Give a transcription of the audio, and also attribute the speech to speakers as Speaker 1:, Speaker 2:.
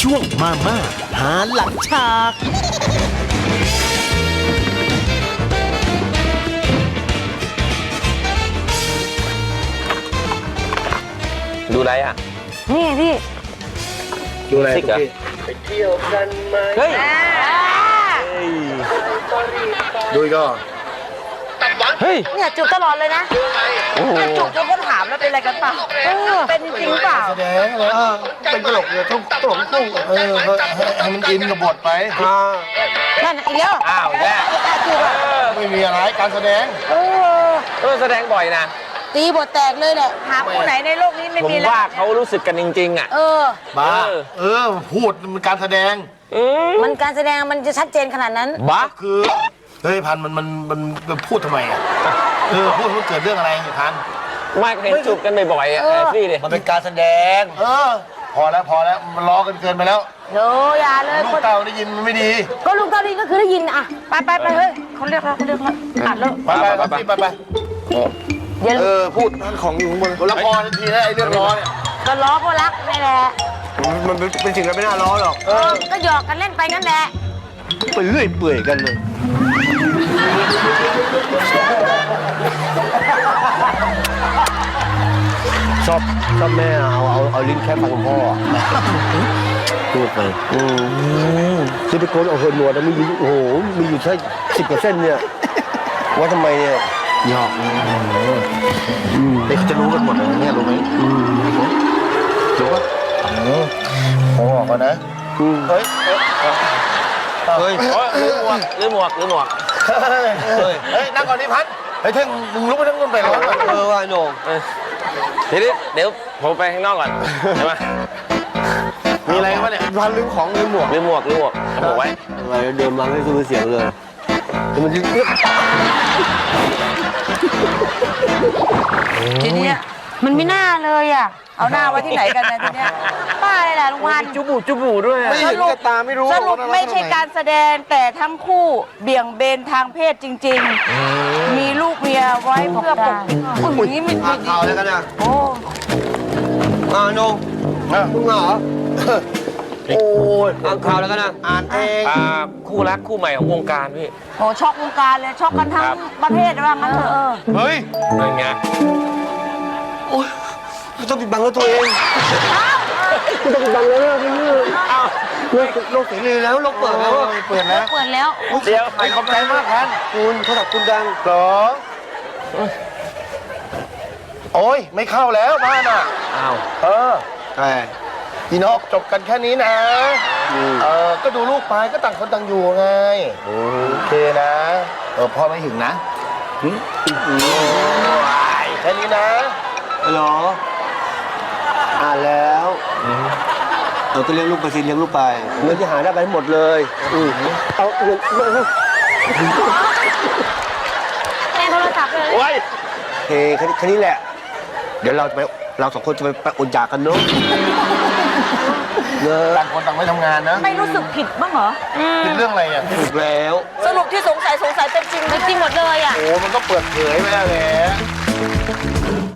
Speaker 1: ช่วงมาม่าหาหลังฉาก
Speaker 2: ดูอะไรอ่ะ
Speaker 3: นี่พี่
Speaker 4: ดูอะไร
Speaker 2: ซิกเหรอ
Speaker 4: เฮ้ย ดูอีกก็
Speaker 2: เฮ้ย
Speaker 3: เนี่ยจูบตลอดเลยนะจูบจนก็ถามแล้วเป็นอะไรกันเปล่าเป็นจริงเปล่า
Speaker 4: แสดงเลยเป็นตลกเลยต้องตลกคู่ให้มันอินกับบทไป
Speaker 3: นั่นอีกแล้ว
Speaker 2: อ้าวแย่
Speaker 3: จูบอ่ะ
Speaker 4: ไม่มีอะไรการแสดง
Speaker 2: แสดงบ่อยนะ
Speaker 3: ตีบทแตกเลยแหละหาคู่ไหนในโลกนี้ไม่
Speaker 2: ผม
Speaker 3: มีแล้ว
Speaker 2: ว่าเขารู้สึกกันจริงๆอ่ะ
Speaker 4: บ้าพูดมันการแสดง
Speaker 3: มันการแสดงมันจะชัดเจนขนาดนั้น
Speaker 2: บ้า
Speaker 4: คือเฮ้ยพันมันพูดทำไมอ่ะพูดเกิดเรื่องอะไรเนี่ยพัน
Speaker 2: ไม่เห็นจูบกันบ่อยๆอ่ะพี่ดิ
Speaker 4: มันเป็นการแสดงพอแล้วมันล้อกันเกินไปแล้ว
Speaker 3: โยอย่าเลย
Speaker 4: ลูกเต่าได้ยินมันไม่ดี
Speaker 3: ก็ลุงเกาหลีก็คือได้ยินอ่ะไปเฮ้ยเขาเรียกแล้วอ่านแล้ว
Speaker 4: ไป
Speaker 3: อย่า
Speaker 4: พูดนั่นของอยู่ข้างบนละครทันทีนะไอ้เรื่องล้อเนี่ย
Speaker 3: ก็ล้อเพราะรักนี่แหละ
Speaker 4: มันเป็นสิ่งที่ไม่น่าล้อหรอก
Speaker 3: ก็หยอกกันเล่นไปนั่นแหละ
Speaker 4: ไปเรื่อยเปื่อยกันเลยชอบแม่เอาลิ้นแค่ฟังพ่อพูดไปซิลิโคนเอาเหินหนวดแล้วมีอยู่โอ้โหมีอยู่แค่10%เนี่ยว่าทำไมเนี่ยหยอกเด็กจะรู้กันหมดเลยเนี่ยรู้ไหมรู้ป่ะผมบอกก่อนนะเฮ้ย
Speaker 2: ลืมหมวก
Speaker 4: เฮ้ยนั่งก่อนดิพันเฮ้ยเท่งมึงลุกไปทั้งคนไปร้อนว่าโหน่ง
Speaker 2: เดี๋ยวผมไปข้างนอกก่อนใช่ไหม
Speaker 4: มีอะไรวะเนี่ยพันลืมของลืมหมวก
Speaker 2: ลืมหมวกไว้
Speaker 4: อะไรเดิมมาไม่คือเสียงเลยมันจะ
Speaker 3: ทีเนี้ยมันไม่น่าเลยอ่ะเอาหน้าไว้ที่ไหนกันนะทีเนี้ยป้าเลยแหละลุงพันธุ์
Speaker 2: จุบูด้วย
Speaker 4: ไม่เห็นกับตาไม่รู้
Speaker 3: สรุปไม่ใช่การแสดงแต่ทั้งคู่เบี่ยงเบนทางเพศจริงๆมีลูกเมียไว้เพื่อปกป้องอย่างนี้มัน
Speaker 4: อ่านข่าวแล้วกันนะ
Speaker 3: โอ้
Speaker 4: โหน่งมึงเหรอโอ้ยอ่านข่าวแล้วกันนะอ่านเอง
Speaker 2: คู่รักคู่ใหม่ของวงการพี่
Speaker 3: โหช็อกวงการเลยช็อกกันทั้งประเทศว่างั้นเถอะ
Speaker 4: เฮ้ย
Speaker 2: เป็นไง
Speaker 4: โอ้ยไม่ต้องปิดบังแล้วตัวเองไม่ต้องปิดบังแล้วพี่โลกเสรีแล้วโลกเปิดแล้วเปิดแล้ว
Speaker 3: เปิดแล้ว
Speaker 2: เดี๋ยว
Speaker 4: ขอบใจมากพันคุณโทรศัพท์คุณดังสองโอ้ยไม่เข้าแล้วบ้านอ่ะ
Speaker 2: อ้าว
Speaker 4: พี่นกจบกันแค่นี้นะก็ดูลูกไปก็ต่างคนต่างอยู่ไงโอเคนะพ่อไม่ถึงนะแค่นี้นะเหรออ่านแล้วก็เลี้ยงลูกไปสิเลี้ยงลูกไปเงินที่หาได้ไปหมดเลยเอาเงิน
Speaker 3: แทนโทรศัพท์เลย
Speaker 2: โอ้ย
Speaker 4: เฮ้แค่นี้แหละเดี๋ยวเราสองคนจะไปอดอยากกันเนาะต่างคนต่างไม่ทำงานนะ
Speaker 3: ไม่รู้สึกผิดบ้างเหรอ
Speaker 4: เป็นเรื่องอะไรอ่ะถูกแล้ว
Speaker 3: สรุปที่สงสัยเป็นจริงหมดเลยอ่ะ
Speaker 4: โอ้มันก็เปิดเผยไปแล้วแหละ